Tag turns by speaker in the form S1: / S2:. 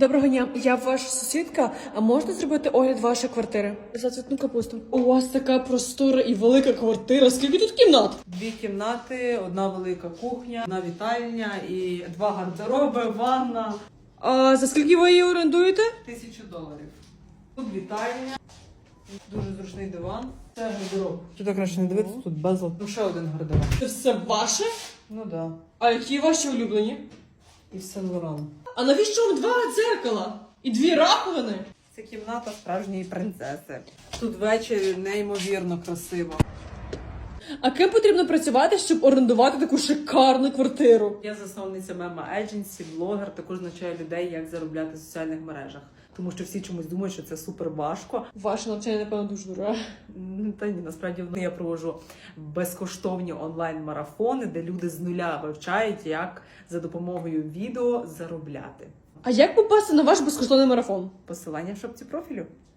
S1: Доброго дня, я ваша сусідка. А можете зробити огляд вашої квартири? За цвітну капусту. У вас така простора і велика квартира. Скільки тут кімнат?
S2: 2 кімнати, 1 велика кухня, 1 вітальня і 2 гардероби, ванна.
S1: А за скільки ви її орендуєте?
S2: $1000. Тут вітальня, дуже зручний диван. Це гардероб. Тут краще не дивитися, тут безлад. Ну ще 1 гардероб.
S1: Це все ваше?
S2: Ну да.
S1: А які ваші улюблені?
S2: І Сен-Лоран.
S1: А навіщо вам 2 дзеркала? І 2 раковини?
S2: Це кімната справжньої принцеси. Тут ввечері неймовірно красиво.
S1: А ким потрібно працювати, щоб орендувати таку шикарну квартиру?
S2: Я засновниця Мема Едженсі, блогер, також навчаю людей, як заробляти в соціальних мережах. Тому що всі чомусь думають, що це супер важко.
S1: Ваше навчання, напевно, дуже дороге.
S2: Та ні, насправді я проводжу безкоштовні онлайн-марафони, де люди з нуля вивчають, як за допомогою відео заробляти.
S1: А як попасти на ваш безкоштовний марафон?
S2: Посилання в шапці профілю.